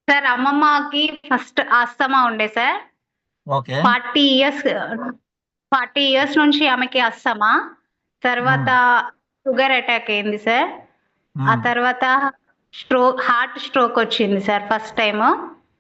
Sir అమ్మమ్మకి first asthma ఉండే sir. Okay. 40 years 40 years నుంచి ఆమెకి ఆస్తమా. తర్వాత షుగర్ అటాక్ అయింది సార్. ఆ తర్వాత హార్ట్ స్ట్రోక్ వచ్చింది సార్ ఫస్ట్ టైము.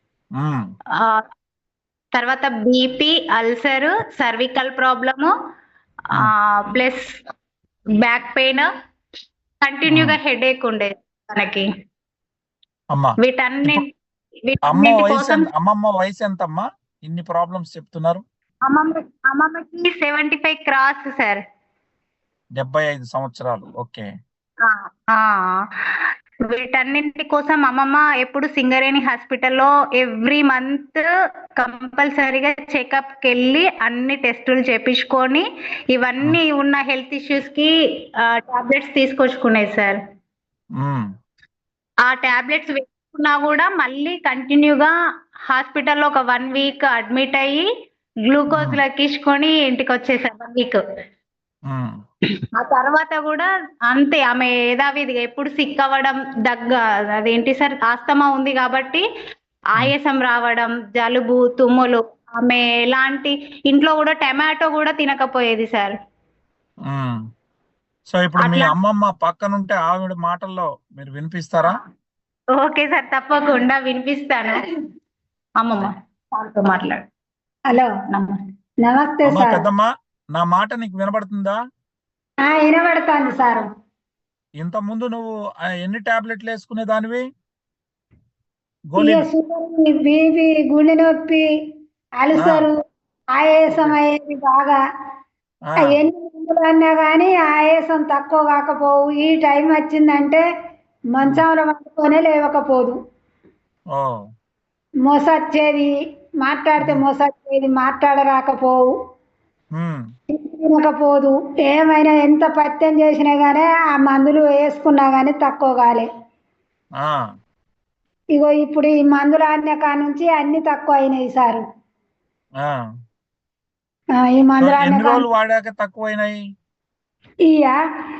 తర్వాత BP, ulcer, cervical problem, plus back pain, కంటిన్యూగా హెడేక్ ఉండేది తనకి. అమ్మా వీటన్నిటి కోసం అమ్మమ్మ వయసు ఎంత అమ్మా? ఇన్ని ప్రాబ్లమ్స్ చెప్తున్నారు. అమ్మమ్మకి 75 క్రాస్ సార్. 75 సంవత్సరాలు. ఓకే. వీటన్నింటి కోసం అమ్మమ్మ ఎప్పుడు సింగరేణి హాస్పిటల్లో ఎవ్రీ మంత్ కంపల్సరీగా చెకప్కి వెళ్ళి అన్ని టెస్టులు చేపించుకొని ఇవన్నీ ఉన్న హెల్త్ ఇష్యూస్ కి టాబ్లెట్స్ తీసుకొచ్చుకునేది సార్. ఆ టాబ్లెట్స్ వేసుకున్నా కూడా మళ్ళీ కంటిన్యూగా హాస్పిటల్లో ఒక 1 వీక్ అడ్మిట్ అయ్యి గ్లూకోజ్ లెక్కించుకొని ఇంటికి వచ్చేసారు 1 వీక్. ఆ తర్వాత కూడా అంతే, ఆమె యథావిధిగా ఎప్పుడు సిక్ అవ్వడం, అదేంటి సార్, ఆస్తమా ఉంది కాబట్టి ఆయాసం రావడం, జలుబు, తుమ్ములు. ఆమె ఎలాంటి ఇంట్లో కూడా టమాటో కూడా తినకపోయేది సార్. సో ఇప్పుడు మీ అమ్మమ్మ పక్కనుంటే ఆవిడ మాటల్లో మీరు వినిపిస్తారా? ఓకే సార్, తప్పకుండా వినిపిస్తాను. అమ్మమ్మ మాట్లాడు. హలో, నమస్తే సార్. పెద్దమ్మ, నా మాట నీకు వినబడుతుందా? వినబడుతుంది సార్. ఇంత ముందు నువ్వు ఎన్ని టాబ్లెట్లు వేసుకునే దానివి? బీపీ, గుండె నొప్పి, అల్సరు, ఆయాసం అయ్యేది బాగా. ఎన్ని మందులు అన్నా కానీ ఆయాసం తక్కువ కాకపోవు. ఈ టైం వచ్చిందంటే మంచంలో పట్టుకొనే లేవకపోదు. మోసొచ్చేది, మాట్లాడితే మోసొచ్చేది, మాట్లాడరాకపోవు, తినకపోదు. ఏమైనా ఎంత పత్యం చేసినా గానీ ఆ మందులు వేసుకున్నా గానీ తక్కువ కాలే. ఇగో ఇప్పుడు ఈ మందులు ఆడిన కాడ నుంచి అన్ని తక్కువ అయినాయి సారు. ఈ మందులు వాడాక తక్కువైనాయి. ఇయ్యా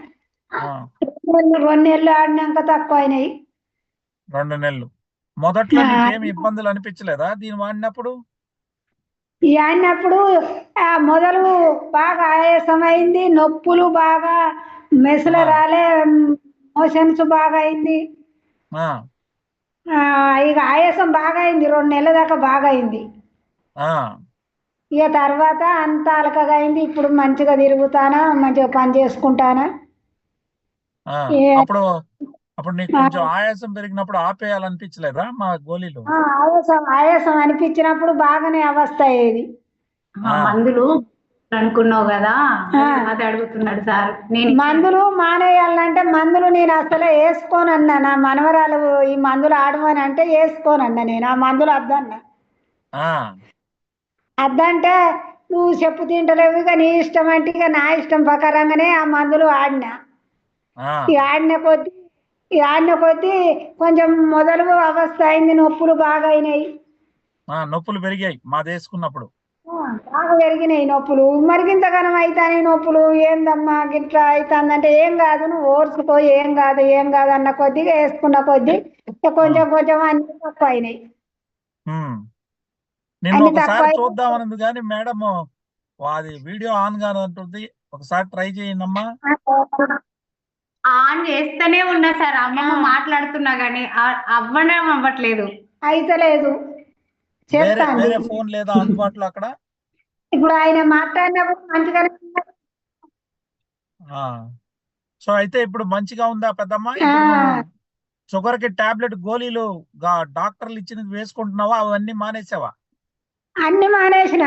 2 నెలలు ఆడినాక తక్కువ అయినాయి. 2 నెలలు. మొదట్లో నీకేమి ఇబ్బందులు అనిపించలేదా దీన్ని వాడినప్పుడు? ఆడినప్పుడు మొదలు బాగా ఆయాసం అయింది, నొప్పులు బాగా, మెసలు రాలే, మోషన్స్ బాగా అయింది. ఇక ఆయాసం బాగా అయింది, 2 నెలల దాకా బాగా అయింది. ఇక తర్వాత అంత అలకగా అయింది. ఇప్పుడు మంచిగా తిరుగుతానా, మంచిగా పని చేసుకుంటానా. అప్పుడు నీకు కొంచెం ఆయాసం పెరిగినప్పుడు ఆపేయాలనిపించలేదా మా గోళీలు? ఆయాసం అనిపించినప్పుడు బాగానే అవస్థ అయ్యేది. మందులు అనుకున్నావు కదా, అది అడుగుతున్నాడు సార్. మందులు మానేయాలంటే మందులు నేను అసలు వేసుకోనన్నా. నా మనవరాలు ఈ మందులు ఆడమని అంటే వేసుకోనన్నా. నేను ఆ మందులు వద్దన్నా. అద్దంటే నువ్వు చెప్పు తింటలేవు, ఇక నీ ఇష్టం అంటే ఇక నా ఇష్టం ప్రకారంగానే ఆ మందులు ఆడినా. ఆడిన కొద్దీ కొంచెం మొదలు అవస్థ అయింది, నొప్పులు బాగా అయినాయి. నొప్పులు పెరిగాయి మాది వేసుకున్నప్పుడు. బాగా పెరిగినాయి నొప్పులు. మరిగింతగానం అవుతాయి నొప్పులు. ఏందమ్మా గిట్లా అవుతుందంటే ఏం కాదు, నువ్వు ఓర్చుకో, ఏం కాదు అన్న కొద్దిగా వేసుకున్న కొద్దీ కొంచెం కొంచెం అన్ని తక్కువ అయినాయి. నిన్ను ఒకసారి చూద్దామన్నది కానీ మేడం అది వీడియో ఆన్ గానే ఉంటుంది, ఒకసారి ట్రై చేయండి అమ్మా. ఆన్ చేస్తూనే ఉన్నా సార్, అమ్మమ్మ మాట్లాడుతున్నా గానీ అవ్వట్లేదు. అయితలేదు. వేరే ఫోన్ లేదా అందుబాటులో అక్కడ? ఇప్పుడు ఆయన మాట్లాడినప్పుడు మంచిగానే. సో అయితే ఇప్పుడు మంచిగా ఉందా పెద్దమ్మ? షుగర్ కి టాబ్లెట్ గోళీలు డాక్టర్లు ఇచ్చినది వేసుకుంటున్నావా? అవన్నీ మానేసావా? అన్ని మానేసిన.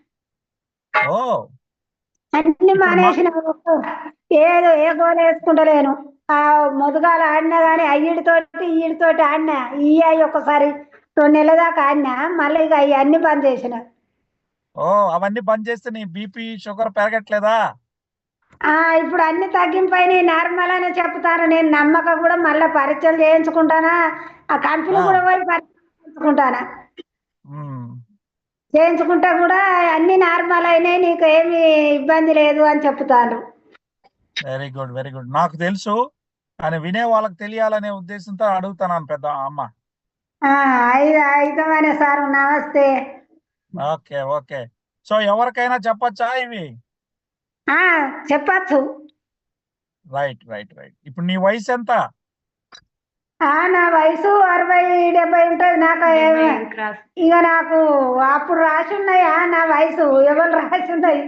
అన్ని మానేసిన. ఏదో ఏ గోళ వేసుకుంటలేను. మొదగాలు ఆడినా గానీ ఈడితోటి ఆడినా. ఒకసారి 2 నెలల దాకా ఆడినా. మళ్ళీ ఇక అన్ని బంద్ చేసిన. అవన్నీ బంద్ చేస్తే నీ బీపీ షుగర్ పెరగట్లేదా? ఇప్పుడు అన్ని తగ్గింపైనాయి, నార్మల్ అనే చెప్తాను. నేను నమ్మక కూడా మళ్ళీ పరీక్షలు చేయించుకుంటానా, ఆ కంపెనీ కూడా పోయి పరీక్షించుకుంటానా. చేయించుకుంటా కూడా అన్ని నార్మల్ అయినాయి, నీకు ఏమి ఇబ్బంది లేదు అని చెప్తాను. Very good, very good. నాకు తెలుసు కానీ వినే వాళ్ళకి తెలియాలనే ఉద్దేశంతో అడుగుతున్నాను పెద్ద అమ్మ. అయితమనే సార్ నమస్తే. Okay okay. సో ఎవరికైనా చెప్పచ్చా ఇవి? చెప్పచ్చు. Right right right. ఇప్పుడు నీ వయసు ఎంత? నా వయసు 60-70 ఉంటది. నాకు ఇక నాకు అప్పుడు రాసి ఉన్నాయా నా వయసు? ఎవరు రాసి ఉన్నాయి?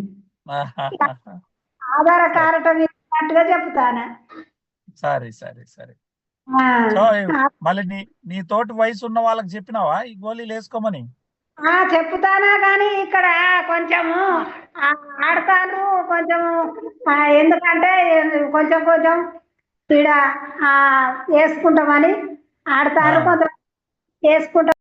ఆధార కార్డు మీదగా చెప్తాను. సరే సరే సరే. సో మళ్ళీ నీ తోటి వయసు ఉన్న వాళ్ళకి చెప్పినావా ఈ గోళీలు వేసుకోమని? చెప్తానా కానీ ఇక్కడ కొంచెము ఆడతాను కొంచెము, ఎందుకంటే కొంచెం కొంచెం ఈడ వేసుకుంటామని ఆడతారు, కొంచెం వేసుకుంటాం.